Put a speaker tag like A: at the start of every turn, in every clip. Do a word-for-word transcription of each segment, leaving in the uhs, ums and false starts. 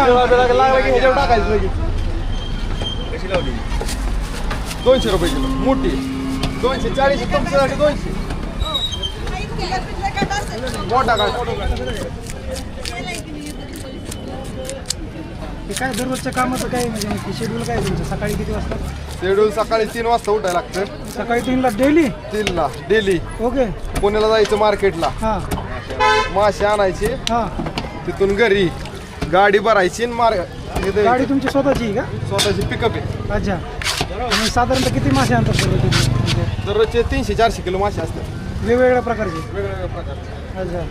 A: लागला की ह्याच्यावर टाकायचं लगेच. कशी लावली? दोनशे रुपये किलो मोठी. दोनशे चाळीस तुमच्यासाठी दोनशे. मोठा काय
B: काय दररोजच्या कामाचं काय म्हणजे शेड्यूल काय तुमचं? सकाळी किती वाजता?
A: शेड्यूल सकाळी तीन वाजता उठायला लागतं.
B: सकाळी तीनला डेली?
A: तीनला डेली.
B: ओके.
A: पुण्याला जायचं मार्केटला.
B: हां
A: मासे आणायचे.
B: हां.
A: तिथून घरी गाडी भरायची मार.
B: गाडी तुमची स्वतःची आहे का?
A: स्वतःची पिकअप आहे.
B: अच्छा. आणि साधारणतः किती मासे आणतात दररोज?
A: दररोजचे तीनशे चारशे किलो मासे असतात.
B: वेगवेगळ्या प्रकारचे?
A: वेगवेगळ्या प्रकारचे.
B: अच्छा.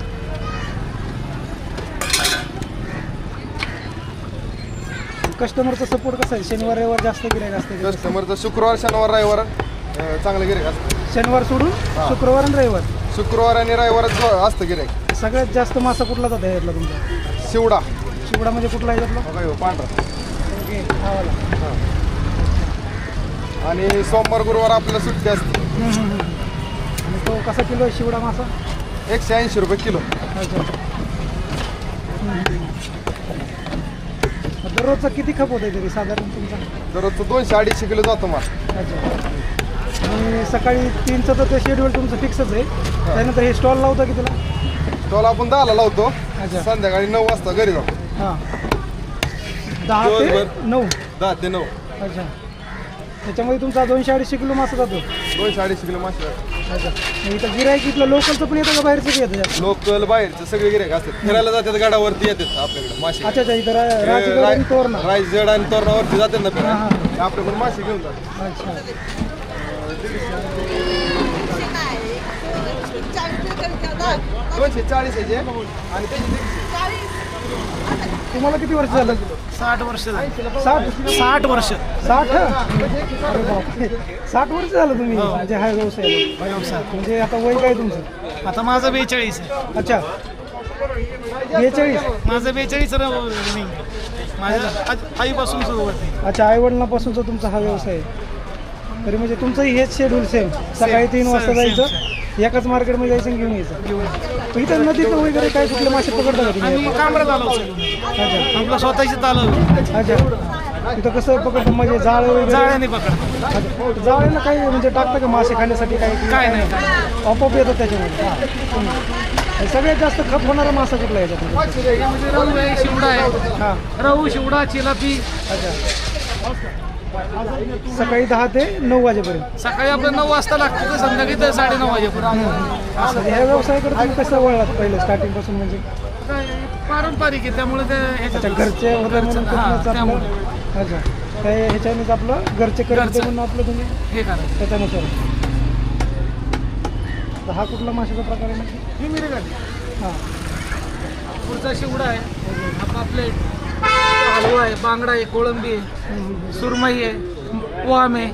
B: कस्टमरचा सपोर्ट कसा आहे? शनिवार रविवार जास्त गिऱ्हाईक असते?
A: कस्टमरचं शुक्रवार शनिवार रविवार चांगलं गिऱ्हाईक असतं.
B: शनिवार सोडून शुक्रवार आणि रविवार?
A: शुक्रवार आणि रविवारच असतं गिऱ्हाईक.
B: सगळ्यात जास्त मासा कुठला जात आहे यातला तुमचा?
A: शिवडा.
B: शिवडा म्हणजे कुठला आहे यातला?
A: बघा ह्यो पांढरा.
B: ओके. हा वाला.
A: आणि सोमवार गुरुवार आपल्याला सुट्टी असते.
B: आणि तो कसा किलो आहे शिवडा मासा?
A: एकशे ऐंशी रुपये किलो.
B: अच्छा. दररोजचा किती खप होत आहे तरी साधारण तुमचा?
A: दररोजचं दोनशे अडीचशे किलो जातो माल.
B: अच्छा. आणि सकाळी तीनचं तर ते शेड्यूल तुमचं फिक्सच आहे. त्यानंतर हे स्टॉल लावता की तुला?
A: स्टॉल आपण दहाला लावतो.
B: अच्छा.
A: संध्याकाळी नऊ वाजता घरी जातो.
B: हां. दहा ते
A: दिवसभर?
B: नऊ?
A: दहा ते नऊ.
B: अच्छा. त्याच्यामध्ये तुमचा दोनशे अडीचशे किलो मासा जातो?
A: दोनशे अडीचशे किलो मासे जातात.
B: अच्छा. मग इथं गिरायक इथलं लोकलचं पण येतं का बाहेरचं पण येतं?
A: लोकल बाहेरचे सगळे गिऱ्हाईक असतात. फिरायला जातात गाडावरती येतात आपल्याकडे मासे.
B: अच्छा अच्छा. इथं रा- राजगड आणि तोरणा?
A: रायगड आणि तोरणावरती जातात ना
B: हां
A: फिरायला.
B: हां.
A: आपल्याकडून मासे घेऊन जातात.
B: अच्छा.
A: दोनशे चाळीस आहे आणि त्याची
B: तुम्हाला किती वर्ष झालं?
C: साठ वर्ष
B: साठ?
C: साठ वर्ष
B: साठ? अरे बापरे. साठ वर्ष झालं तुम्ही म्हणजे हा व्यवसाय?
C: व्यवसाय
B: म्हणजे आता वय काय तुमचं?
C: आता माझं बेचाळीस आहे.
B: अच्छा. बेचाळीस?
C: माझं बेचाळीस नाही माझ्या आज- आईपासून सुरुवात आहे.
B: अच्छा. आईवडिलांपासूनचा तुमचा हा व्यवसाय आहे. तरी म्हणजे तुमचंही हेच शेड्यूल सेम? सकाळी तीन वाजता
C: सेम,
B: जायचं, एकाच मार्केटमध्ये जायचं आणि घेऊन यायचं?
C: घेऊन
B: इथं नदीत वगैरे काय कुठले मासे पकडता का तुम्ही?
C: आम्ही कांबरा चालवतो.
B: अच्छा
C: आपलं स्वतःची चालव
B: अच्छा. तिथं कसं पकडतं म्हणजे जाळ वगैरे?
C: जाळ्याने पकडतो.
B: अच्छा. जाळ्याला काही म्हणजे टाकतं का मासे खाण्यासाठी? काय
C: काय नाही काय
B: आपोआप येतं त्याच्यामध्ये? आणि सगळ्यात जास्त खप होणारा मासा कुठला याच्यात?
C: म्हणजे रहू आहे, शिवडा आहे.
B: हां.
C: रहू, शिवडा, चिलापी.
B: अच्छा. सकाळी दहा ते नऊ वाजेपर्यंत?
C: सकाळी आपलं नऊ वाजता लागतं तर संध्याकाळी तर साडे नऊ वाजेपर्यंत.
B: असं ह्या व्यवसायाकडे तुम्ही कसं वळलात पहिलं स्टार्टिंग पासून? म्हणजे
C: काय पारंपरिक आहे त्यामुळे ते
B: अच्छा.
C: ह्याच्यात-
B: घरचे होते म्हणून
C: हां,
B: तिथूनच
C: त्यामुळे
B: आपलं? अच्छा. त्या ह्याच्यानेच आपलं घरचे करते
C: घरचं.
B: म्हणून आपलं तुम्ही
C: हे करायचं.
B: त्याच्यानुसार? तर हा कुठला माशाचा प्रकार आहे नक्की?
C: ही मिरगाली.
B: हां.
C: पुढचा शिवडा आहे, हा पापलेट, हलवा आहे, बांगडा आहे, कोळंबी आहे, सुरमई आहे, वाम आहे.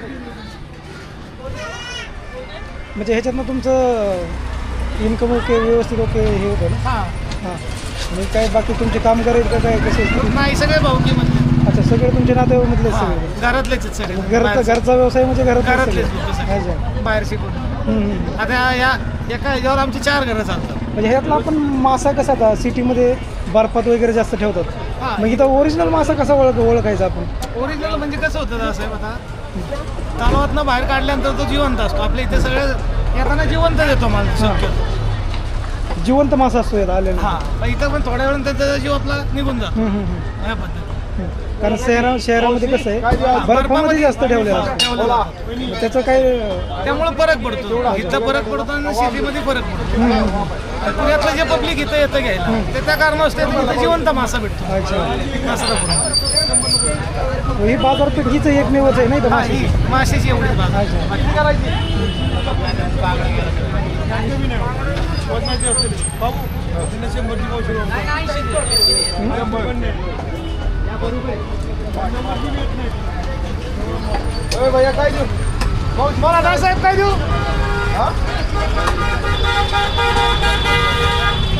B: म्हणजे ह्याच्यातनं तुमचं इन्कम ओके, व्यवस्थित ओके हे होतं ना?
C: हां
B: हां. आणि काय बाकी तुमचे कामगार आहेत का काय कसे?
C: नाही सगळे भाऊकी म्हणजे
B: अच्छा. सगळे तुमचे नातेवाईकमधलेच सगळे?
C: घरातलेच आहेत सगळे.
B: घरचा
C: बाहेरचे-
B: घरचा व्यवसाय म्हणजे घरातलेच
C: घरातलेच
B: सगळे?
C: लोक सगळे.
B: अच्छा.
C: बाहेर शिकून.
B: हम्म, हम्म.
C: आता या एका ह्याच्यावर आमची चार घरं चालतात.
B: म्हणजे ह्यातला आपण मासा कसा आता सिटीमध्ये बर्फात वगैरे जास्त ठेवतात,
C: हां.
B: मग इथं ओरिजिनल मासा कसा ओळख ओळखायचा आपण?
C: ओरिजिनल म्हणजे कसं होतं साहेब, आता तलावातनं बाहेर काढल्यानंतर तो जिवंत असतो. आपल्या इथे सगळे येताना जिवंत देतो माल शक्यतो.
B: जिवंत मासा असतो यात आलेला?
C: हां पण इथं पण थोड्या वेळानं त्याचा जीव आपला निघून जातो
B: हम्म, हम्म, हम्म.
C: या पद्धतीने.
B: कारण शहरा शहरामध्ये कसं आहे बर्फामध्ये जास्त ठेवलेलं असतं,
C: ठेवलं जातं.
B: मग त्याचं काय?
C: त्यामुळे फरक पडतो. इथं फरक पडतो आणि सिटीमध्ये फरक पडतो.
B: हम्म, हम्म.
C: आणि पुण्यातलं जे पब्लिक इथं येतं घ्यायला ते त्या कारणास्तव इथं जिवंत मासा भेटतो.
B: अच्छा.
C: असं करून.
B: ही बाजारपेठ हीच एकमेवच आहे नाही तर
C: हा,
B: माशाची?
C: ही माशाची एवढी बाजार.
B: अच्छा.
A: भैया काय देऊ?
C: मला साहेब काय देऊ?
A: हा?